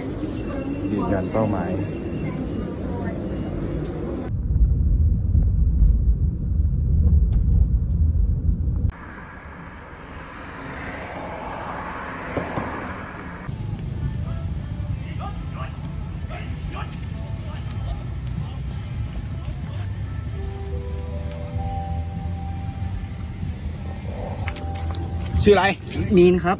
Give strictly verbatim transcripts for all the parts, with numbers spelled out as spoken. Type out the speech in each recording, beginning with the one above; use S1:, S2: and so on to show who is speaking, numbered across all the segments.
S1: ยืนยันเป้าหมายชื่ออะไรมีนครับ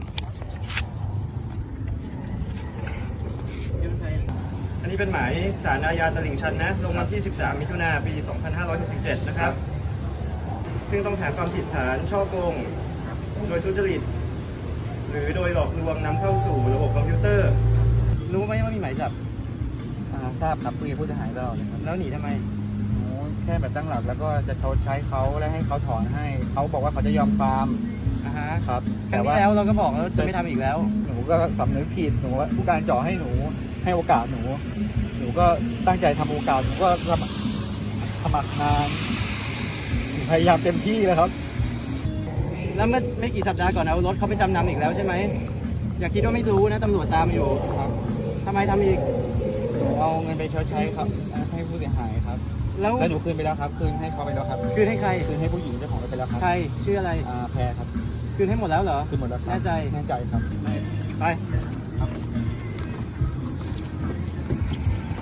S2: อันนี้เป็นหมายศาลอาญาตลิ่งชันนะลงวันที่สิบสามมิถุนายนปีสองพันห้าร้อยหกสิบเจ็ดนะครับซึ่งต้องฐานความผิดฐานฉ้อโกงโดยทุจริตหรือโดยหลอกลวงนำเข้าสู่ระบบคอมพิวเตอร์รู้ไหมว่ามีหมายจับ
S1: ทราบครับคุยกับผู้เสียหายตลอดเลยครับ
S2: แล้วหนีทำไม
S1: หนูแค่แบบตั้งหลักแล้วก็จะชดใช้เขาและให้เขาถอนให้เขาบอกว่าเขาจะยอมความ
S2: อ่าฮะ
S1: ครับ
S2: ครั้งที่แล้วเราก็บอกแล้วจะไม่ทำอีกแล้ว
S1: หนูก็สำนึกผิดหนูว่าผู้การจ่อให้หนูให้โอกาสหนูหนูก็ตั้งใจทำโอกาสหนูก็สมัครสมัครงานพยายามเต็มที่แล้วครับ
S2: แล้วไม่ไม่กี่สัปดาห์ก่อนเอารถเขาไปจำนำอีกแล้วใช่ไหมอย่าคิดว่าไม่รู้นะตำรวจตามอยู่
S1: ครับ
S2: ทำไมทำอีก
S1: หนูเอาเงินไปชดใช้ครับให้ผู้เสียหายครับแล้วหนูคืนไปแล้วครับคืนให้เขาไปแล้วครับ
S2: คืนให้ใคร
S1: คืนให้ผู้หญิงเจ้าของรถไปแล้วครับ
S2: ใครชื่ออะไร
S1: อ่าแพรครับ
S2: คืนให้หมดแล้วเหรอ
S1: คืนหมดแล้วครับ
S2: แน่ใจ
S1: แน่ใจครับ
S2: ไป
S1: ครับ